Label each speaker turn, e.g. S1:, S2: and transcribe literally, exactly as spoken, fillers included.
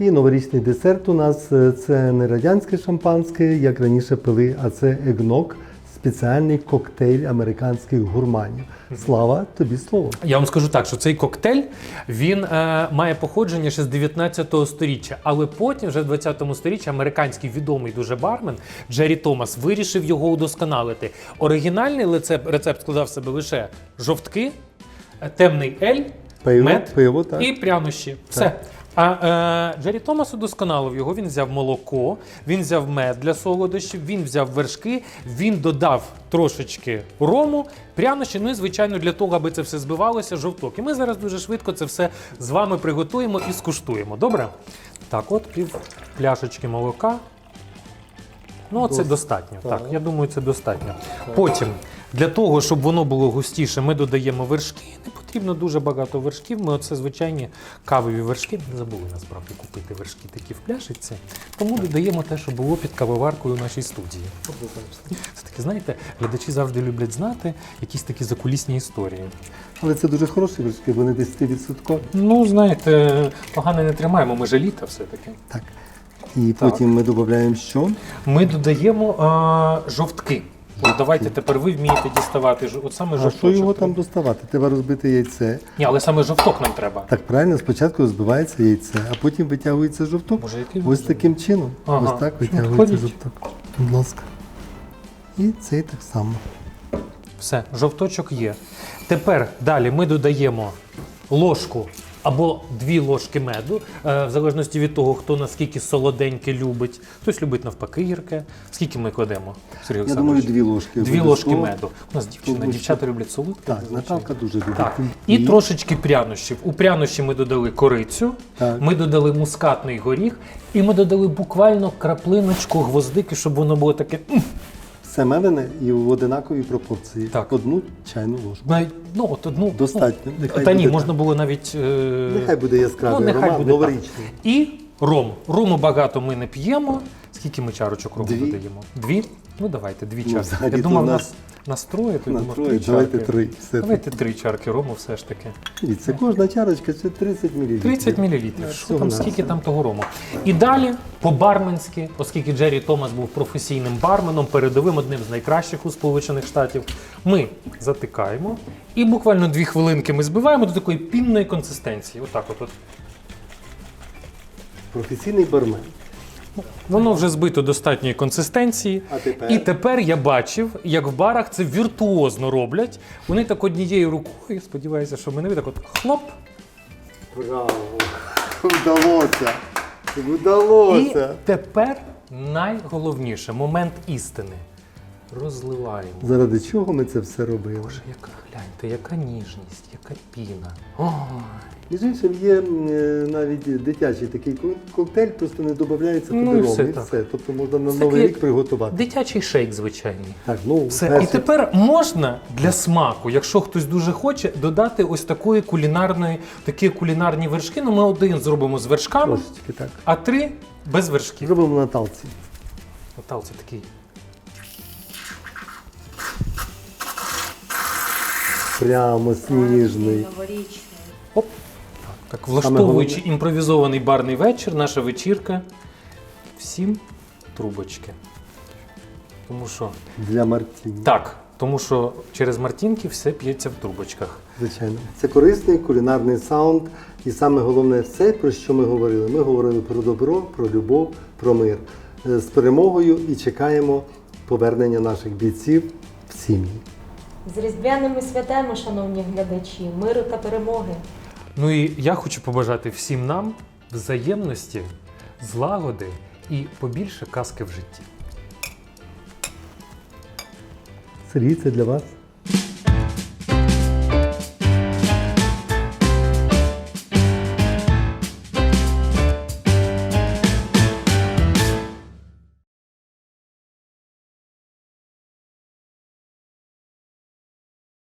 S1: І новорічний десерт у нас е, це не радянське шампанське, як раніше пили, а це егнок, спеціальний коктейль американських гурманів. Слава, тобі слово.
S2: Я вам скажу так, що цей коктейль, він е, має походження ще з дев'ятнадцятого сторіччя, але потім, вже в двадцятому сторіччі, американський відомий дуже бармен Джері Томас вирішив його удосконалити. Оригінальний рецепт, рецепт складав в себе лише жовтки, темний ель,
S1: Пиво,
S2: мед
S1: пиво, так.
S2: і прянощі. Все. А е, Джері Томас удосконалив його, він взяв молоко, він взяв мед для солодощів, він взяв вершки, він додав трошечки рому, прянощі, ну і, звичайно, для того, аби це все збивалося, жовток. І ми зараз дуже швидко це все з вами приготуємо і скуштуємо. Добре? Так, от пів пляшечки молока. Ну, це достатньо. Так, я думаю, це достатньо. Потім, для того, щоб воно було густіше, ми додаємо вершки. Не потрібно дуже багато вершків. Ми оце звичайні кавові вершки. Ми забули, насправді, купити вершки такі в пляшечці. Тому додаємо те, що було під кавоваркою в нашій студії. Це таки, знаєте, глядачі завжди люблять знати якісь такі закулісні історії.
S1: Але це дуже хороші вершки, вони десять відсотків.
S2: Ну, знаєте, погано не тримаємо, ми же літа все-таки.
S1: Так. І потім ми додаємо що?
S2: Ми додаємо а, жовтки. От давайте тепер ви вмієте діставати ж- от саме
S1: А
S2: жовточок.
S1: що його там доставати? Треба розбити яйце.
S2: Ні, але саме жовток нам треба.
S1: Так, правильно, спочатку розбивається яйце, а потім витягується жовток.
S2: Боже, який
S1: Ось
S2: розум.
S1: таким чином.
S2: Ага.
S1: Ось так витягується
S2: Ходіть.
S1: жовток. Будь ласка. І цей так само.
S2: Все, жовточок є. Тепер далі ми додаємо ложку або дві ложки меду, е, в залежності від того, хто наскільки солоденьке любить. Хтось любить навпаки гірке. Скільки ми кладемо, Сергій
S1: Я
S2: Олександрович?
S1: думаю, дві ложки.
S2: Дві ложки
S1: обов'язково.
S2: меду. У нас дівчина,
S1: Тому що-
S2: дівчата люблять солодке.
S1: Так,
S2: звичайно.
S1: Наталка дуже любить.
S2: Так. І трошечки прянощів. У прянощі ми додали корицю,
S1: Так.
S2: ми додали мускатний горіх, і ми додали буквально краплиночку гвоздики, щоб воно було таке. м.
S1: Все мелене і в одинаковій пропорції.
S2: Так.
S1: Одну чайну ложку.
S2: Навіть, ну, от одну,
S1: Достатньо.
S2: Ну,
S1: Нехай
S2: та ні,
S1: буде
S2: можна
S1: так.
S2: було навіть. Е...
S1: Нехай буде яскравий
S2: ну, нехай
S1: аромат,
S2: буде
S1: новорічний.
S2: так. І ром. Рому багато ми не п'ємо. Скільки ми чарочок рому
S1: Дві.
S2: додаємо? Дві? Ну давайте, дві
S1: Ну,
S2: чарки.
S1: взагалі-то
S2: Я думав,
S1: у
S2: нас
S1: нас
S2: настроє, то я
S1: на
S2: думав,
S1: троє,
S2: три
S1: давайте
S2: чарки.
S1: три, все
S2: Давайте три чарки рому все ж таки.
S1: І це кожна чарочка, це тридцять мілілітрів.
S2: тридцять мілілітрів. Що
S1: Всього
S2: там,
S1: на
S2: скільки
S1: все.
S2: там того рому? І далі, по-барменськи, оскільки Джері Томас був професійним барменом, передовим, одним з найкращих у Сполучених Штатів, ми затикаємо і буквально дві хвилинки ми збиваємо до такої пінної консистенції. Отак от. от.
S1: Професійний бармен.
S2: Воно вже збито достатньої консистенції.
S1: А тепер?
S2: І тепер я бачив, як в барах це віртуозно роблять. Вони так однією рукою, сподіваюся, що мене так от хлоп.
S1: Браво! Вдалося!
S2: І
S1: Вдалося!
S2: тепер найголовніше, момент істини. Розливаємо.
S1: Заради чого ми це все робили?
S2: Боже, яка, гляньте, яка ніжність, яка піна. Ой.
S1: Між іншим, є е, навіть дитячий такий ко- коктейль, просто не додається
S2: Ну,
S1: туди
S2: і
S1: ром,
S2: все
S1: і
S2: так.
S1: все. Тобто можна на
S2: Це
S1: Новий
S2: такий
S1: рік приготувати.
S2: Дитячий шейк звичайний.
S1: Так, ну,
S2: Все. І
S1: перше-
S2: тепер можна для смаку, якщо хтось дуже хоче, додати ось такої кулінарної, такі кулінарні вершки. Ну, ми один зробимо з вершками,
S1: Трошечки так.
S2: а три без вершків.
S1: Зробимо на талці.
S2: Наталці такий.
S1: Прямо сніжний.
S3: Новорічний.
S2: Оп. Так, так, влаштовуючи імпровізований барний вечір, наша вечірка. Всім трубочки. Тому що
S1: Для Мартіні.
S2: так, тому що через мартінки все п'ється в трубочках.
S1: Звичайно. Це корисний кулінарний саунд. І саме головне все, про що ми говорили. Ми говорили про добро, про любов, про мир. Е, З перемогою і чекаємо повернення наших бійців в сім'ї.
S3: З різдвяними святами, шановні глядачі, миру та перемоги.
S2: Ну і я хочу побажати всім нам взаємності, злагоди і побільше казки в житті.
S1: Сергій, це для вас.